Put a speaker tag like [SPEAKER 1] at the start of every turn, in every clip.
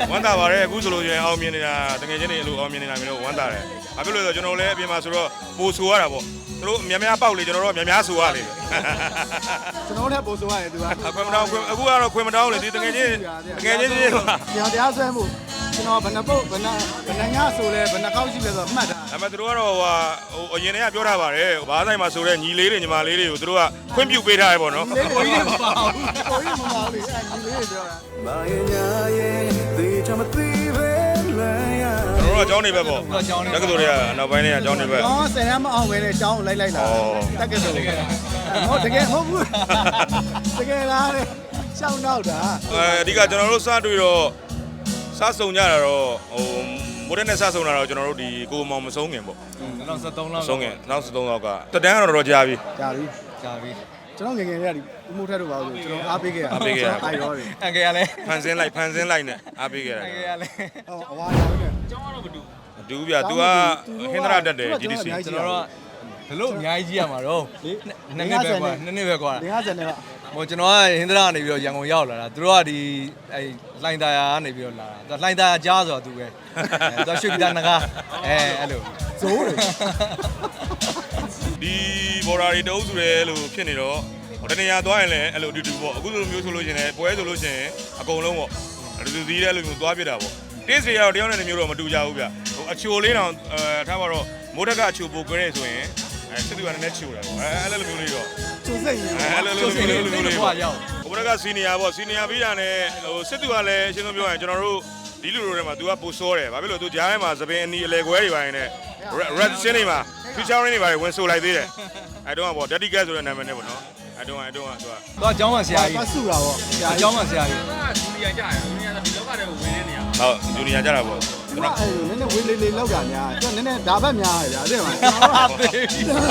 [SPEAKER 1] ဝမ်းသာပါတယ်အခုဆိုလို့ရင်အောင်မြင်နေတာတကယ်ချင်းနေလို့အောင်မြင်နေတာမျိုးလို့ဝမ်းသာတယ်ဘာဖြစ်လို့လဲဆိုကျွန်တော်လည်းအပြင်မှာဆိုတော့ပို့ဆိုရတာပေါ့သူတို့များများပေါက်လေကျွန်တော်တို့များများဆိုရလေ
[SPEAKER 2] ကျွန်တော်လည်းပို့ဆိုရတယ်သူက
[SPEAKER 1] ခွင့်မတောင်းအခုကတော့ခွင့်မတောင်းလေဒီတကယ်ချင်း
[SPEAKER 2] တရားဆွဲမှုကျွန်တော်ဘယ်နှပုတ်ဘယ်နှညဆိုလဲဘယ်နှကောက်ရှိလဲဆိုတော့မှတ်တာ
[SPEAKER 1] ဒါပေမဲ့သူတို့ကတော့ဟိုအရင်တည်းကပြောထားပါတယ်ဘားဆိုင်မှာဆိုတဲ့ညီလေးတွေညီမလေးတွေကိုသူတို့ကခွင့်ပြုပေးထားရပေါ့နော်
[SPEAKER 2] ကိုကြီးမပါဘူးကိုကြီးမပါဘူးလေညီလေးတွေပြောတာမာယာရဲ့ဒီချမသိပဲ
[SPEAKER 1] ကျွန်တော်တို့အကြောင်းနေပဲပေါ့တက္ကသိုလ်တွေကနောက်ပိုင်းတွေကအကြောင်းနေပဲ
[SPEAKER 2] ကျွန်တော်ဆယ်တန်းမအောင်ပဲနဲ့အကြောင်းလိုက်လာတက္ကသိုလ်ဟုတ်တကယ်မဟုတ်ဘူးတကယ်လားတဲ့ရှောင်းတော့တာ
[SPEAKER 1] အဓိကကျွန်တော်တို့စတွေ့တော့စဆုံကြတာတော့ဟိုမိုးတဲ့နဲ့စဆုံတာတော့ကျွန်တော်တို့ဒီကိုမောင်မဆုံးခင်ပေါ့
[SPEAKER 3] 2013လောက်
[SPEAKER 1] ဆုံးခင်2013လောက်ကတတန်းကတော့တော်ကြာပြီ
[SPEAKER 2] ကျွန်တော်ငယ်ငယ်လေးကဒီဦးမိုးထက်တို့ပါလို့ကျွန်တော်အားပေးခဲ့ရ
[SPEAKER 1] အားပေးခဲ့ရ
[SPEAKER 2] အိုက်ရောတယ်
[SPEAKER 3] အန်ကယ်ကလည်း
[SPEAKER 1] ဖန်ဆင်းလိုက်နဲ့အားပေးခဲ့ရ
[SPEAKER 3] အန်ကယ်ကလည်း
[SPEAKER 2] အဝါရောတယ်
[SPEAKER 3] ကျောင်းကတော့မတူ
[SPEAKER 1] မတူဗျာ तू ကဟင်္ဒရာတက်တယ် GDC
[SPEAKER 3] ကျွန်တော်တို့ဘလို့အများကြီးကြီးရမှာတော့နှစ်နှစ်ပဲကွာ
[SPEAKER 2] 50နဲ့ပါ
[SPEAKER 3] ဟိုကျွန်တော်ကဟင်္ဒရာကနေပြီးတော့ရန်ကုန်ရောက်လာတာသူတို့ကဒီအဲလှိုင်သာယာကနေပြီးတော့လာတာလှိုင်သာယာကြားဆိုတော့သူပဲသူရွှေပြည်သားငကားအဲ့လို
[SPEAKER 2] ဇိုးတယ်
[SPEAKER 1] ဒီဘော်ဒါတွေတအုပ်စုတယ်လို့ဖြစ်နေတော့တနေရာသွားရင်လည်းအဲ့လိုအတူတူပေါ့အခုလိုမျိုးဆိုလို့ရှိရင်ပွဲဆိုလို့ရှိရင်အကုန်လုံးပေါ့အတူတူစီးတဲ့အဲ့လိုမျိုးသွားပြတာပေါ့တင်းစီကတော့တယောက်နဲ့မျိုးတော့မတူကြဘူးဗျဟိုအချိုလေးတောင်ထားပါတော့မိုးတက်ကအချိုပိုကြဲဆိုရင်စစ်သူကလည်းချိုတာပေါ့အဲ့လိုမျိုးလေးတော့
[SPEAKER 2] ချိုစိတ်ရင်
[SPEAKER 1] အဲ့လိုမျိုးလေးပေါ့ဟိုဘက်ကစီနီယာပေါ့စီနီယာပြီးတာနဲ့ဟိုစစ်သူကလည်းအရှင်းဆုံးပြောရင်ကျွန်တော်တို့ဒီလူတွေထဲမှာ तू ကပိုစောတယ်ဘာဖြစ်လို့ तू ကြားထဲမှာသပင်အနီအလဲခွဲတွေပါရင်လည်း red ရှင်းနေမှာ featuring တွေပါဝင်ဆိုလိုက်သေးတယ်အဲ့တော့ပေါ့ daddy cat ဆိုတဲ့နာမည်နဲ့ပေါ့နော်အဲ့တော့ तू
[SPEAKER 3] ကအကြောင်းမှဆရာကြီး
[SPEAKER 2] ဆူတာပေါ့
[SPEAKER 3] အကြောင်းမှဆရာကြီး
[SPEAKER 1] ဂျူနီယာကြတယ်ဂျူနီယာဒီလောကထဲကိုဝင်နေနေရဟုတ်ဂျူနီယာကြတာပေါ့
[SPEAKER 2] ကျွန်တော်အဲ့နည်းနည်းဝေးလေးလေးလောက်တာများကျွန်တော်နည်းနည်းဒါဘက်များရဗျာအဲ့မှာကျွန်တော်တို့ကတကယ်ကို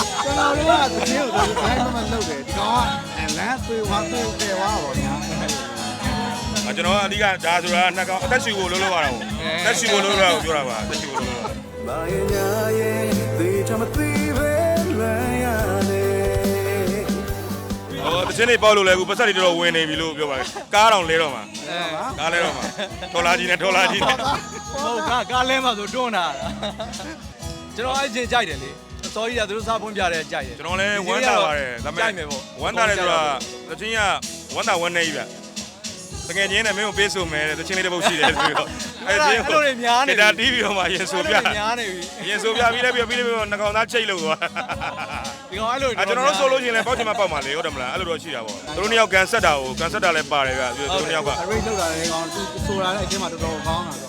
[SPEAKER 2] တိုင်းမမလုပ်တယ်ဒီကောင်ကလမ်းသေးဝါသေးတယ်ဝါပေါ့ညာ
[SPEAKER 1] ကျွန်တော်ကအဓိကဒါဆိုတာနှစ်ကောင်အသက်ရှူဖို့လုပ်ရတာပေါ့အသက်ရှူဖို့လုပ်ရတာကိုပြောတာပါအသက်ရှူဖို့လုပ်ရတာမာယာရဲ့ဒီချမသိပဲလဲရတယ်ဟိုတချင်းနေပေါက်လို့လဲအခုပတ်စက်တွေတော့ဝင်နေပြီလို့ပြောပါတယ်ကားတောင်လဲတော့မှာကားလဲတော့မှာထော်လာကြီးနဲ့
[SPEAKER 3] ဟုတ်ကားလဲမှာဆိုတွန်းတာကျွန်တော်အဲ့ချင်းကြိုက်တယ်လေစောကြီးကသူတို့စားဖွင့်ပြတယ်ကြိုက်တယ်
[SPEAKER 1] ကျွန်တော်လည်းဝမ်းသာပါတယ်ဒါပေမဲ့ဝမ်းသာတယ်ဆိုတာတချင်းကဝမ်းသာဝမ်းနေပြီဗျတကယ်ချင်းနဲ့မင်းကိုပေးဆိုမယ်တချင်းလေးတစ်ပုတ်ရှိတယ်ဆိုတော့
[SPEAKER 3] အဲ့ဒီလိုတွေများနေ
[SPEAKER 1] ပြီဒါတီးပြီးတော့မှရင်ဆိုပြ
[SPEAKER 3] များနေပြီ
[SPEAKER 1] ရင်ဆိုပြပြီးတော့နှကောင်သားချိတ်လို့သွား
[SPEAKER 3] ဒီကောင်အဲ့လို
[SPEAKER 1] ကျွန်တော်တို့ဆိုလို့ရှိရင်လည်းပေါက်ချင်မှပေါက်မှာလေဟုတ်တယ်မလားအဲ့လိုတော့ရှိတာပေါ့သူတို့နှစ်ယောက်ကန်ဆက်တာလည်းပါတယ်ဗျသူတို့နှစ်ယောက်က
[SPEAKER 2] ရိတ်လောက်တာလေကောင်သူဆိုတာလည်းအချင်းမှတော်တော်ကောင်းတာ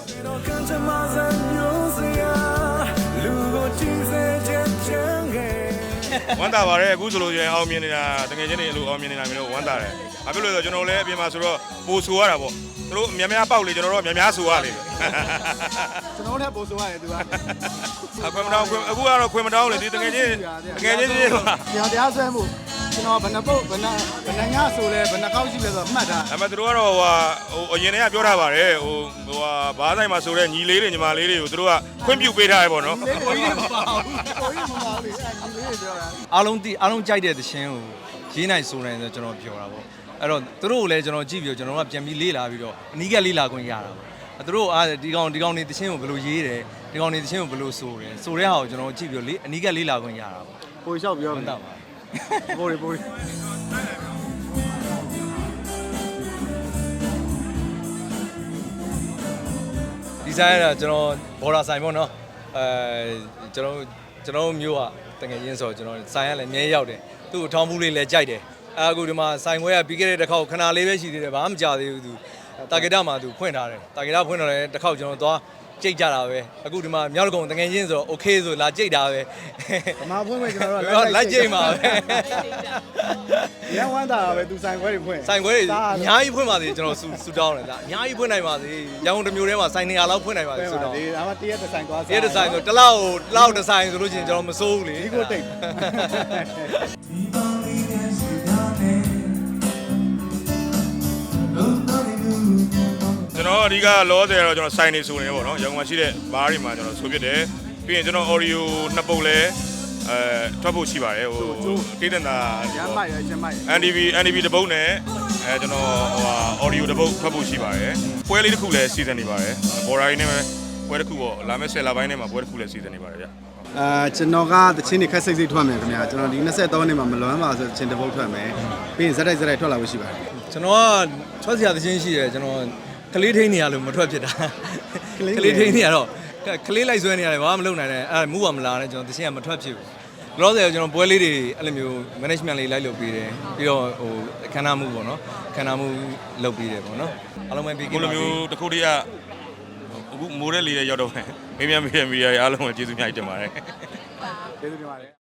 [SPEAKER 1] ဆိုဝမ်းသာပါတယ်အခုဆိုလို့ရင်အောင်မြင်နေတာတကယ်ချင်းနေလို့အောင်မြင်နေတာမျိုးလို့ဝမ်းသာတယ်ဘာဖြစ်လို့လဲဆိုတော့ကျွန်တော်လည်းအပြင်မှာဆိုတော့ပို့ဆိုရတာပေါ့သူတို့များများပေါက်လေကျွန်တော်တို့များများဆိုရလေ
[SPEAKER 2] ကျွန်တော်လည်းပို့ဆိုရတယ်သူက
[SPEAKER 1] ခွင့်မတောင်းအခုကတော့ခွင့်မတောင်းလေဒီတကယ်ချင်း
[SPEAKER 2] တရားဆွဲမှုကျွန်တော်ဘယ်နှပုတ်ဘယ်နှညဆိုလဲဘယ်နှကောက်ရှိလဲဆိုတော့မှတ်တာ
[SPEAKER 1] ဒါပေမဲ့သူတို့ကတော့ဟိုအရင်တည်းကပြောထားပါတယ်ဟိုဘားဆိုင်မှာဆိုတဲ့ညီလေးတွေညီမလေးတွေကိုသူတို့ကခွင့်ပြုပေးထားရပေါ့နော်
[SPEAKER 2] ကိုကြီးမပါဘူးကိုကြီးမပါဘူးလေညီလေးတွေပြောတာ
[SPEAKER 3] အားလုံးကြိုက်တဲ့သရှင်ကိုရေးနိုင်ဆိုနိုင်ဆိုကျွန်တော်ပြောတာပေါ့အဲ့တော့သူတို့ကိုလည်းကျွန်တော်ကြည့်ပြီးတော့ကျွန်တော်ကပြန်ပြီးလေးလာပြီးတော့အနီးကလေးလာခွင့်ရတာပေါ့သူတို့ဒီကောင်နေသရှင်ကိုဘယ်လိုရေးတယ်ဒီကောင်နေသရှင်ကိုဘယ်လိုဆိုတယ်ဆိုတဲ့ဟာကိုကျွန်တော်ကြည့်ပြီးတော့အနီးကလေးလာခွင့်ရတာပေါ့
[SPEAKER 2] ပိုလျှောက်ပြောမှန်ပါပိုး
[SPEAKER 3] ဒီဇိုင်းကကျွန်တော်ဘော်ဒါဆိုင်ပေါ့နော်ကျွန်တော်မျိုးကတကယ်ရင်းဆိုကျွန်တော်ဆိုင်ကလည်းအမြဲရောက်တယ်သူ့အထောင်းဘူးလေးလည်းကြိုက်တယ်အခုဒီမှာဆိုင်ခွဲကပြီးခဲ့တဲ့တစ်ခေါက်ခဏလေးပဲရှိသေးတယ်ဘာမှမကြသေးဘူးသူတာဂက်တာမှာသူဖွင့်ထားတယ်တာဂက်တာဖွင့်တော့လည်းတစ်ခေါက်ကျွန်တော်သွားကြိတ်ကြတာပဲအခုဒီမှာမြောက်ကုန်းတကယ်ချင်းဆိုတော့ okay ဆိုလာကြိတ်တာပဲ
[SPEAKER 2] ဗမာဖွင့်မယ်ကျွန်တော်
[SPEAKER 3] တို့လိုက်ကြိတ်မှာပဲ
[SPEAKER 2] ရန်ဝမ်းတာပဲသူဆိုင်ခွဲတွေဖွင့်
[SPEAKER 3] ဆိုင်ခွဲတွေအများကြီးဖွင့်ပါသေးကျွန်တော်ဆူတောင်းတယ်ဒါအများကြီးဖွင့်နိုင်ပါသေးရန်ကုန်တစ်မျိုးထဲမှာဆိုင်နေရာလောက်ဖွင့်နိုင်ပါသေးဆူတောင်း
[SPEAKER 2] ဒါမှတရက်တစ်ဆိုင်သွား
[SPEAKER 3] တရက်တစ်ဆိုင်ဆိုတစ်လောက်တစ်ဆိုင်ဆိုလို့ရှိရင်ကျွန်တော်မစိုးဘူးလေ
[SPEAKER 2] ဒီကိုတိတ်
[SPEAKER 1] ကျွန်တော်အဓိကလောဆယ်တော့ကျွန်တော်ဆိုင်နေဆိုနေပေါ့နော်ရန်ကုန်မှာရှိတဲ့ဘားတွေမှာကျွန်တော်ဆိုဖြစ်တယ်ပြီးရင်ကျွန်တော် audio နှစ်ပုတ်လဲထွက်ဖို့ရှိပါတယ်ဟိုတိတ်တန်တာ
[SPEAKER 2] ရမ်းမိုက်ရကျမ်းမိုက်
[SPEAKER 1] NDB တပုတ်နဲ့ကျွန်တော်audio တစ်ပုတ်ဖတ်ဖို့ရှိပါတယ်ပွဲလေးတစ်ခုလည်းစီစဉ်နေပါတယ်ဘော်ရာရင်းနဲ့ပွဲတစ်ခုပေါ့လာမယ့်10လပိုင်းထဲမှာပွဲတစ်ခုလည်းစီစဉ်နေပါတယ်ဗျ
[SPEAKER 2] ကျွန်တော်ကတချင်းတွေခက်စိတ်စိတ်ထွက်မယ်ခင်ဗျာကျွန်တော်ဒီ23နှစ်မှာမလွမ်းပါဆိုတချင်းတစ်ပုတ်ထွက်မယ်ပြီးရင်ဇက်တိုက်ထွက်လာဖို့ရှိပါတယ်
[SPEAKER 3] ကျွန်တော်ကထွက်စရာတချင်းရှိတယ်ကျွန်တော်ကလေးထိန်းနေရလို့မထွက်ဖြစ်တာကလေးထိန်းနေရတော့ကလေးလိုက်ဆွဲနေရတယ်ဘာမှမလုပ်နိုင်နဲ့အဲ့မူကမလာနဲ့ကျွန်တော်တချင်းကမထွက်ဖြစ်ဘူးလောဆယ်ကျွန်တော်ပွဲလေးတွေအဲ့လိုမျိုး management လေးလိုက်လုပ်ပေးတယ်ပြီးတော့ဟိုခန္ဓာမှုပေါ့နော်ခန္ဓာမှုလုပ်ပေးတယ်ပေါ့နော်အားလုံးပဲပြီးကြပါစေ
[SPEAKER 1] ဘယ်လိုမျိုးတစ်ခုတည်းကအခုမိုးတဲ့လေးရောက်တော့မယ်မင်းများမီဒီယာအားလုံးကိုကျေးဇူးများတင်ပါတယ်
[SPEAKER 2] ကျေးဇူးတင်ပါတယ်